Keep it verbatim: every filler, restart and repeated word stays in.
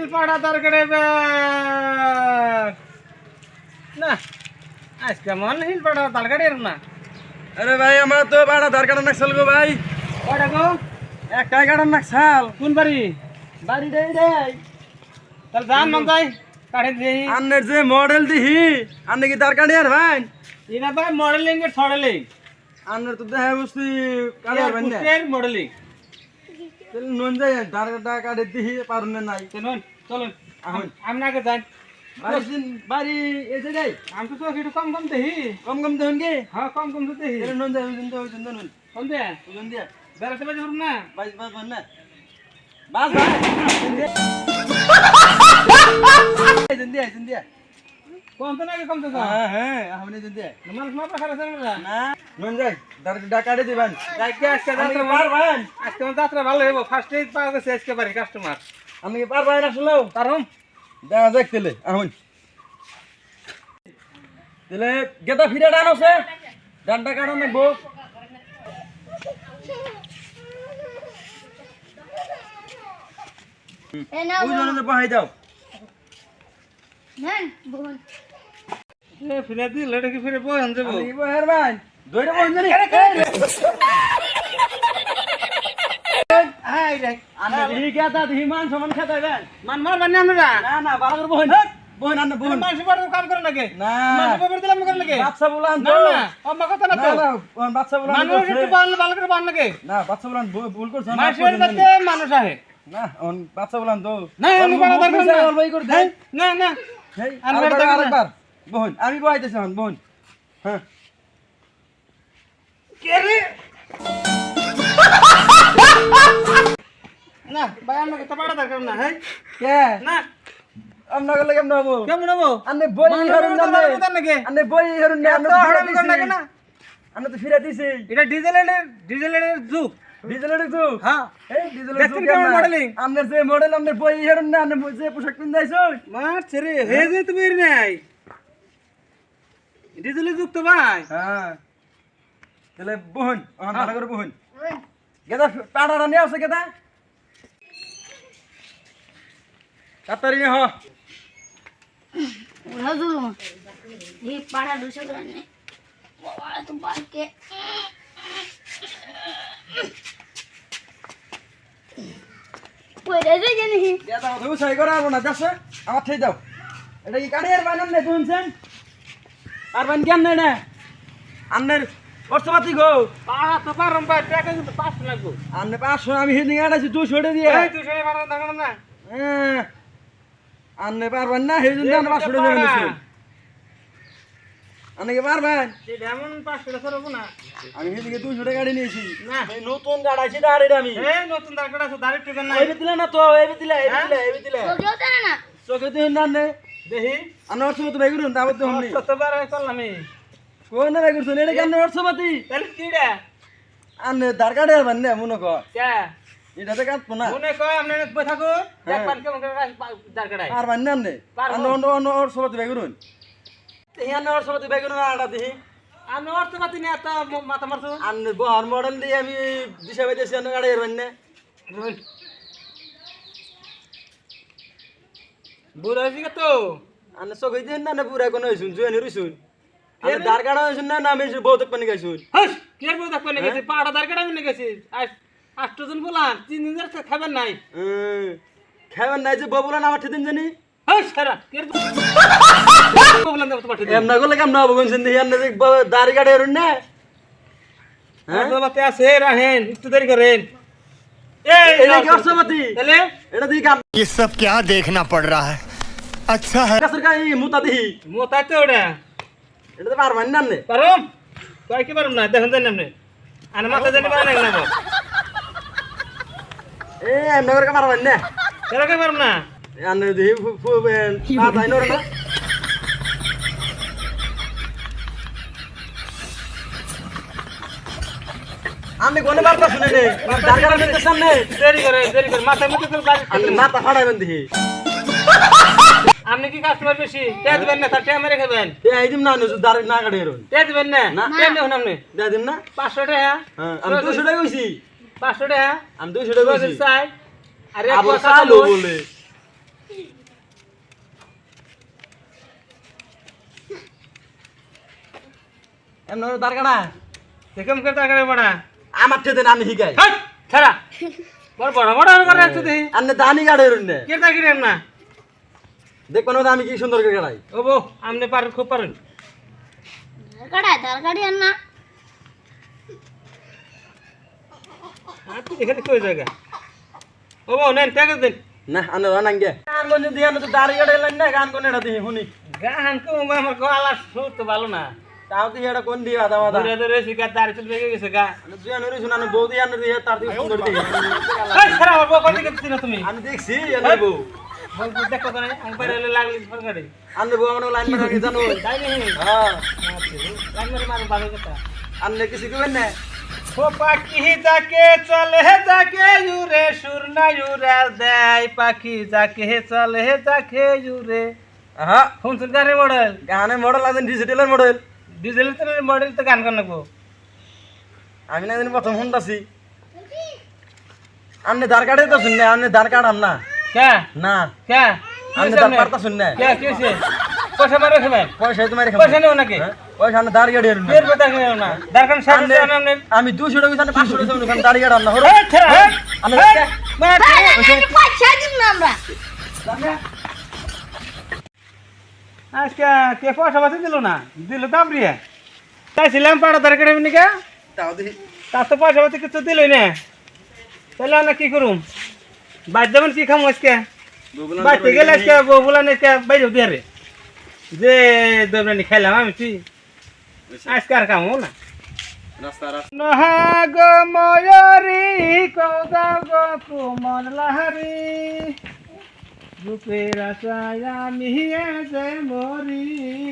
পাড়া তরকারি না আজকে মন হিল পাড়া তরকারি না। আরে ভাই আমার তো পাড়া তরকারি নাকছাল গো ভাই। কয়টা গো? একটা কাটার নাকছাল। কোন বাড়ি? বাড়ি দেই দেই। তাহলে যান মন যাই কাটে দেই। আন্নের যে মডেল দিহি আন্নে কি তরকারি আর ভাই? ইনা ভাই মডেলিং এর ছড়ালেই আন্নের তো দেহে বুঝতি কাটার ভাই না। এর মডেলিং তাহলে নুন যাই তরকারিটা কাটে দিহি পারুন না নাই। চলুন চলুন এখন আমি আগে যাই। বাড়ি দিন বাড়ি এসে যাই। আমি তো একটু কম কম দেহি। কম কম দেখুন কি? হ্যাঁ কম কম তো দেহি। তাহলে নুন যাই ওই দিন তো ওই দিন নুন। কম দে ওজন দিয়া। বেড়াতে বাজে করুন না। বাইশ বাস বান না। বাস ভাই। দিন দিয়া দিন দিয়া। কম তো নাকি কম তো হ্যাঁ হ্যাঁ আপনি দিন দিয়া। মানুষ মাপা খারাপ আছে না। না নুন যাই তরকারিটা কাটে দিবেন। আজকে আজকে আপনি যাত্রা কি পারবেন? আজকে আমার যাত্রা ভালো হইব। ফার্স্ট এড পাওয়া গেছে আজকে বাড়ি কাস্টমার। আপনি কি পারবেন আসলে? কারণ দেখা যাক তেলে এখন তেলে গেদা ফিরে ডান আছে ডানটা কারণ নেবো ওই জন্য বহাই দাও এ ফিরে দি লড়ে কি ফিরে বই আনতে বো। আমি বহার ভাই দইটা বহান জানি হাই রে আন্না দি গেদা দি মান সমান খেতে দেন মান মার বানি আমরা না না ভালো করে বহান বহান আন্না বহান মানুষ বড় কাম করে নাকি না মানুষ বড় দিলাম করে নাকি বাচ্চা বলান না তো না অম্মা কথা না না তো না ওন বাচ্চা বলান মানুষ একটু বানলে ভালো করে বান নাকি না বাচ্চা বলান ভুল করছ না মানুষের কাছে মানুষ আহে না ওন বাচ্চা বলান তো না আমি বড় দরকার না অল্প করে দেন না না হেই আমি আরেকবার বেরোতে পারবো না। আরেকবার বোন আমি বহাইতেছি হন বোন হ্যাঁ কে রে না ভাই আমাকে তো বড় দরকার না হ্যাঁ কে না আমরা গলে কেমন হবো কেমন হবো আন্নে বই হেরুন না মানুষ কথা নাকি আন্নে বই হেরুন না আন্নে তো ফিরে হারাম করে নাকি দিছি না আন্নে তো ফিরে দিছি এটা ডিজেলের ডিজেলের যুগ ডিজেলের যুগ হ্যাঁ এই ডিজেলের দেখছেন যুগ কেমন কেমন modeling? আন্নের যে মডেল আন্নে বই হেরুন না আন্নে যে পোশাক পিন্দাইছো মার ছেড়ে হে যে তুমি এর নাই ডিজেলের যুগ তো ভাই হ্যাঁ তাহলে বোন ওখান ভালো করে বোন গেদা পাড়াটা নিয়ে আসছে গেদা তাড়াতাড়ি হ Udah dulu, di parah dulu sebenarnya. Wah itu pakai. Wih, ada aja nih. গেদা তুই সই করে আর না যাচ্ছে আমার ঠেই দাও এটা কি কাঠি আর বানান নে শুনছেন আর বান কেন নেই না আন্নের অর্থপাতি গো পাড়া তো পারম ভাই টাকা কিন্তু পাঁচ লাগবো আন্নে পাঁচশো আমি হিদিন আনাইছি তুই ছড়ে দিয়ে এই তুই সেই পাড়া দাঁড়ানো না হ্যাঁ আন্নে পারবেন না সেই জন্য আমরা পাঁচশো টাকা নিছি আন্নে কি পারবেন এটা এমন পাঁচশো টাকা হবো না আমি সেদিকে দুইশো টাকা গাড়ি নিয়েছি না এই নতুন গাড়ি আছে আর এটা আমি এই নতুন দরকার আছে দাঁড়িয়ে টিকেন নাই এই দিলে না তো এই দিলে এই দিলে এই দিলে Soalnya tuh anak. চোখে তো না নে দেখি আন্ন অর্থমত ভাই করুন তারপর তো হমনি কতবার করলাম আমি কোন না ভাই করছেন এটা কেন অর্থপাতি তাহলে কি রে আন্নে দার কাটে আর বান্নে মনে কর কে এটাতে কাটবো না মনে কয় আপনি বই থাকো দেখ পান কেমন করে দরকার আছে আর বান্নে আন্নে পারবো। আন্ন অন্য অন্য অর্থপাতি ভাই করুন এই আন্ন অর্থপাতি ভাই করুন আটা দিহি আমি অর্থ পাতি নিয়ে এত মাথা মারছো আন্নে বহার মডেল দিয়ে আমি দিশা পাইতেছি আন্ন গাড়ি আর বান্নে বুড়ো হয়েছি তো আন্নে চোখে দিন না পুরা কোনো হইছুন জুয়ানি রইছুন আন্নে দার কাটা হইছুন না না আমি বহুত পানি গাইছুন হাস কে বউ দেখবেন গেছি পাড়া দরকার আমি নিয়ে গেছি আটজন বলান তিন দিন ধরে খাবেন নাই খাবেন নাই যে ববুলান আমার ঠিদিন জানি হাস সারা কে বললাম দেব তোমার ঠিক এমনা করলে কেমন হবো কোনছেন দেখি আন্নে দাড়ি কাটে এরুন না হ্যাঁ বাতে আছে রাহেন একটু দেরি করেন এই এটা কি অর্থপাতি তাহলে এটা দিই কাম ये सब क्या देखना पड़ रहा है अच्छा है কাছের কাই মুতা দিহি মোতাই তো ওটা এটা তো পারবেন না আন্নে পারম কয় কি পারম না দেখুন জানি আপনি আনে মাথা জানি পারে না না এ এমনা করে পারবেন না কেন কে পারম না আন্নে দিহি পা তাই নরে না আমি কোনে বার্তা শুনে নে দার কাটা নিতে সামনে দেরি করে দেরি করে মাথায় মুখে তো গাড়ি আন্নে মাথা ফাড়াইবেন দিহি আপনি কি কাস্টমার বেশি তে দিবেন না তার টাইমে রেখে দেন এ আইদিম না নুজু দার না কাটে এরুন তে দিবেন না না। তে দেখুন আপনি দেয়া দিম না পাঁচশো টাকা হ্যাঁ আমি দুশো টাকা কইছি পাঁচশো টাকা আমি দুশো টাকা কইছি চাই আরে আবার কথা চালু বলুন। বলে এমন দাঁড় কাটা দেখম করে তারকারে বড়া আমার থেকে আমি শিখাই হাই ছাড়া বড় বড় বড় করে রাখতে দেখি আপনি দানি কাটে রুন্নে কে তাকিরে না দেখবেন আমি কি সুন্দর করে কাটাই ও বো আমনে পারেন খুব পারেন ধার কাটায় ধার কাটি আর না আপনি এখানে কই জায়গা ও বো নেন টাকা দেন না আনে রানাঙ্গে গান কোন দিয়ে আনে তো দাড়ি কাটে লাইন না গান কোন এটা দিয়ে শুনি গান কো আমার গলা সুর তো ভালো না তাও দিয়ে এটা কোন দিয়ে আদা আদা দূরে দূরে শিকা দাঁড়ি চলে বেগে গেছে গা দুই আনে শুনা না বৌদি আনে দিয়ে তার দিয়ে সুন্দর দিয়ে এই ছাড়া বো কত দিকে না তুমি আমি দেখছি আনে বউ বল দেখো তো নাই আমি বাইরে লাগলি সরকারি আনে বউ আমার লাইন মারা জানো তাই নেই হ্যাঁ লাইন মারি মারো ভালো কথা আনে কিছু কইবেন না ও পাখি যাকে চলে যাকে জুরে সুর না জুরে দেয় পাখি যাকে চলে যাকে জুরে হ্যাঁ শুনছেন গানের মডেল গানের মডেল আছেন ডিজিটালের মডেল ডিজেলের মডেল তো গান গান লাগবো আমি না জানি প্রথম শুনতাছি আপনি ধার কাটে তো শুননে আপনি ধার কাটাম না কে না কে আপনি ধার কাটতা শুননে কে কেছে পয়সা মারে খাবেন পয়সা তোমার পয়সা নেও নাকি পয়সা আপনি দাঁড়িয়ে কাটে রুন ফের পয়সা নেও না দরকার সাথে আপনি আমি দুশো টাকা জানি পাঁচশো টাকা জানি দাঁড়িয়ে কাটাম না হরো এই ছেড়া আমি পয়সা দিব না আমরা আজকে কে পয়সা পাতি দিল না দিল দাম রিয়া চাইছিলাম পাড়া দরকার এমনি কে তাও দেখি তার তো পয়সা পাতি কিছু দিলই না তাহলে আমরা কি করুম বাদ দেবেন কি খাম আজকে বাড়তে গেলে আজকে বউ বলা আজকে বাইরে দিয়ে রে যে দোবরানি খাইলাম আমি তুই আজকে আর খামো না রাস্তা রাস্তা নহাগ ময়ূরী কৌদাও গো কুমন লাহারি রূপের আশায় আমি যে মরি